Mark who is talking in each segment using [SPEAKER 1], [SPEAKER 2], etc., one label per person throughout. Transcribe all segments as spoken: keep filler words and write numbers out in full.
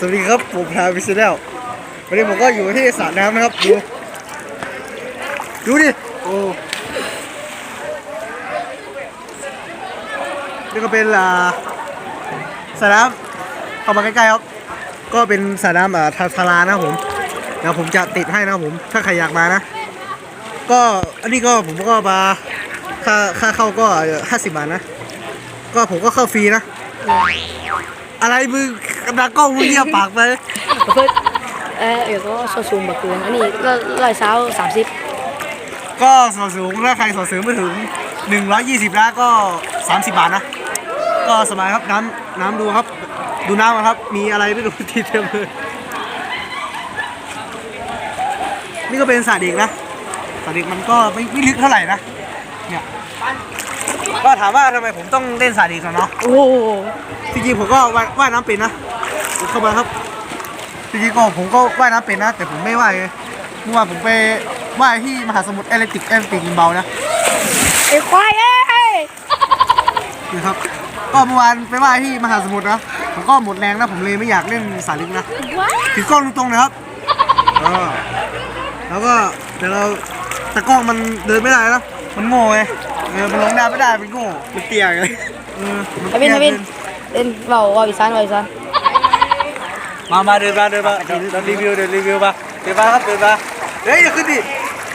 [SPEAKER 1] วัสดีครับผมพาวิชแนลวันนี้ผมก็อยู่ที่สระน้ำนะครับดูดูดิโอ้นี่ก็เป็นสระน้ำเข้ามาใกล้ๆครับก็เป็นสระน้ำอ่าทาทารานะผมเดี๋ยวผมจะติดให้นะผมถ้าใครอยากมานะก็อันนี้ก็ผมก็มาค่าค่าเข้าก็ห้าสิบบาทนะก็ผมก็เข้าฟรีนะอะไรมึงกำลังกล้องมึงเงียบปากไป
[SPEAKER 2] เพื่อเออเดี๋ยวก็ส่วนสูงแบบกูอันนี้ร้อยเช้าสามสิบ
[SPEAKER 1] ก็ส่วนสูงถ้าใครส่วนสูงไม่ถึงหนึ่งร้อยยี่สิบแล้วก็สามสิบบาทนะก็สบายครับน้ำน้ำดูครับดูน้ำครับมีอะไรไม่รู้ทีเต็มเลยนี่ก็เป็นสระเด็กนะสระเด็กมันก็ไม่ไม่ลึกเท่าไหร่นะเนี่ยก็ถามว่าทำไมผมต้องเล่นสระเด็กกันเนาะ
[SPEAKER 2] โอ้
[SPEAKER 1] จริงๆผมก็ว่ายน้ำเป็นนะเข้ามาครับจริงๆก็ผมก็ว่ายน้ำเป็นนะแต่ผมไม่ว่ายเมื่อวานผมไปว่ายที่มหาสมุทรแอตแลนติกแอตแลนติกเบานะ
[SPEAKER 2] ไอ้ควายเอ้ย
[SPEAKER 1] นี่ครับก็เมื่อวานไปว่ายที่มหาสมุทรนะผมก็หมดแรงนะผมเลยไม่อยากเล่นสระเด็กนะถือกล้องตรงๆนะครับแล้วก็เดี๋ยวเราแต่กล้องมันเดินไม่ได้นะมันโง่ไงเออมันลงได้ไม่ได้มันโง่มันเตี้ยไงเออ
[SPEAKER 2] ทวินทวินเล่นเบาว่าวิสานว่าวิสาน
[SPEAKER 1] มามาเดินมาเดินมาเดินรีวิวเดินรีวิวมาเดินมาครับเดินมาเฮ้ยอย่าขึ้นดิ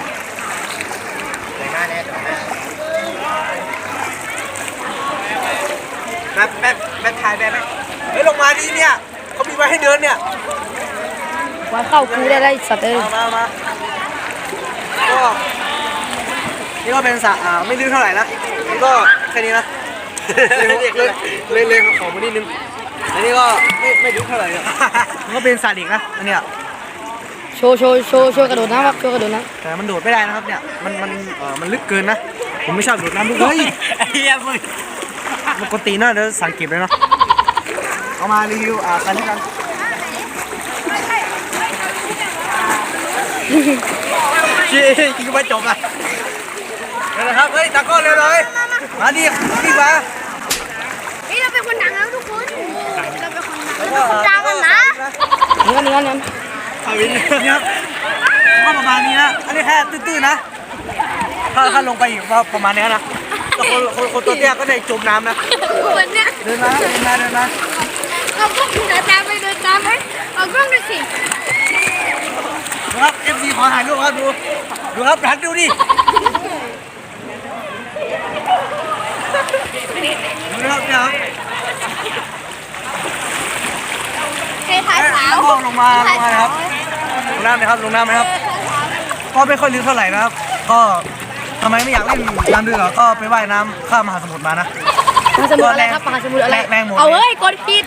[SPEAKER 1] แบบแบบแบบถ่ายแบบไหมเฮ้ยลงมาดิเนี่ยเขามีไว้ให้เดินเนี่ย
[SPEAKER 2] ว่าเข้าคูได้ได้สัตว์เลย
[SPEAKER 1] มามาก็นี่ก็เป็นสระอ่าไม่ลึกเท่าไหร่นะนี่ก็แค่นี้นะเล่นเล่นขอมานิดนึงอันนี้ก็ไม่ไม่ลึกเท่าไหร่มันก็เป็นสระเด็กนะอันเนี้ย
[SPEAKER 2] โชว์โชว์โชว์โชว์กระโดดน้ำครับโชว์กระโดดน้
[SPEAKER 1] ำแต่มันโดดไม่ได้นะครับเนี่ยมันมันเออมันลึกเกินนะผมไม่ชอบโดดน้ำเฮ้ยไอ้เหี้ยมึงมันกดตีนนะเดี๋ยวสังเกตเลยเนาะเอามารีวิวอ่ากันกันชี้กินก็ไม่จบอ่ะเดี๋ยวนะครับเฮ้ยตะโกนเลยเลยมาดิดิมา
[SPEAKER 3] นี่เราเป็นคนดังแล้วทุกคนเราเป็นคนดังกันนะ
[SPEAKER 2] นี่นี่นี่
[SPEAKER 1] อาวินนี่ครับก็ประมาณนี้นะอันนี้แค่ตื้นๆนะถ้าถ้าลงไปอีกก็ประมาณนี้นะแต่คนคนคนตัวเตี้ยก็ได้จมน้ำนะ
[SPEAKER 3] คนเนี้ย
[SPEAKER 1] เดินมาเดินมาเดินมา
[SPEAKER 3] เอากล้องเดินตามไปเดินตามไปเอากล้องดูสิ
[SPEAKER 1] ดูครับ เอฟ ซี ขอถ่ายรูปครับดูดูครับหันดูดิดูครับเนี่ยครับ
[SPEAKER 3] ใครถ่ายสาว
[SPEAKER 1] ลงลงมาลงมาครับลงน้ำไหมครับลงน้ำไหมครับก็ไม่ค่อยลึกเท่าไหร่นะครับก็ทำไมไม่อยากเล่นน้ำลึกก็ไปว่ายน้ำข้ามมหาสมุทรมานะ
[SPEAKER 2] มหาสมุทรอะไรครับมหาสมุทรอะไร
[SPEAKER 1] แรงหมด
[SPEAKER 2] เอาเฮ้ยกดผิด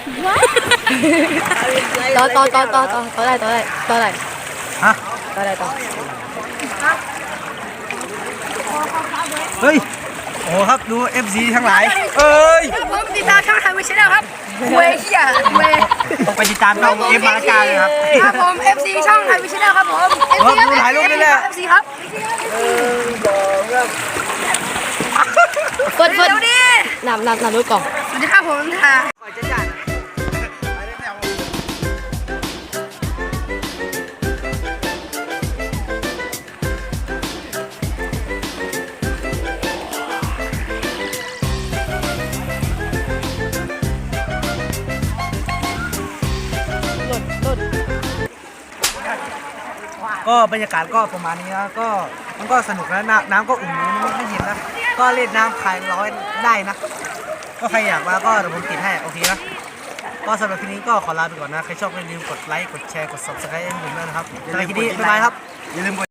[SPEAKER 2] ต่อต่อต่อต่อต่อต่อได้ต่อได้ต่อได้
[SPEAKER 1] ฮะ
[SPEAKER 2] ต่อได้ต่อ
[SPEAKER 1] เฮ้ยโอ้ครับดู เอฟ ซี ทั้งหลายเอ้ย
[SPEAKER 3] ผมติดตามช่องทางวิชแนลครับเวเฮียเว
[SPEAKER 1] ต้องไปติดตามช่องเอฟมาละกาเลยครับ
[SPEAKER 3] ครับผม เอฟ ซี ช่องทางวิชแนลครับผมเอฟ ซี
[SPEAKER 1] ดูถ่ายรูปนี่แหละ
[SPEAKER 3] เอฟ ซี ครับ
[SPEAKER 2] เฟิร์นเฟิร์นนำนำนำรถกล่อง
[SPEAKER 3] สวัสดีครับผมค่ะ
[SPEAKER 1] ก็บรรยากาศก็ประมาณนี้นะก็มันก็สนุกนะน้ำน้ำก็อุ่นมันไม่เย็นนะก็เล่นน้ำคลายร้อนได้นะก็ใครอยากมาก็เดี๋ยวผมติดให้โอเคนะก็สำหรับคลิปนี้ก็ขอลาไปก่อนนะใครชอบอย่าลืมกดไลค์กดแชร์กด ซับสไครบ์ ให้ผมด้วยนะครับสำหรับคลิปนี้บ๊ายบายครับอย่าลืมกด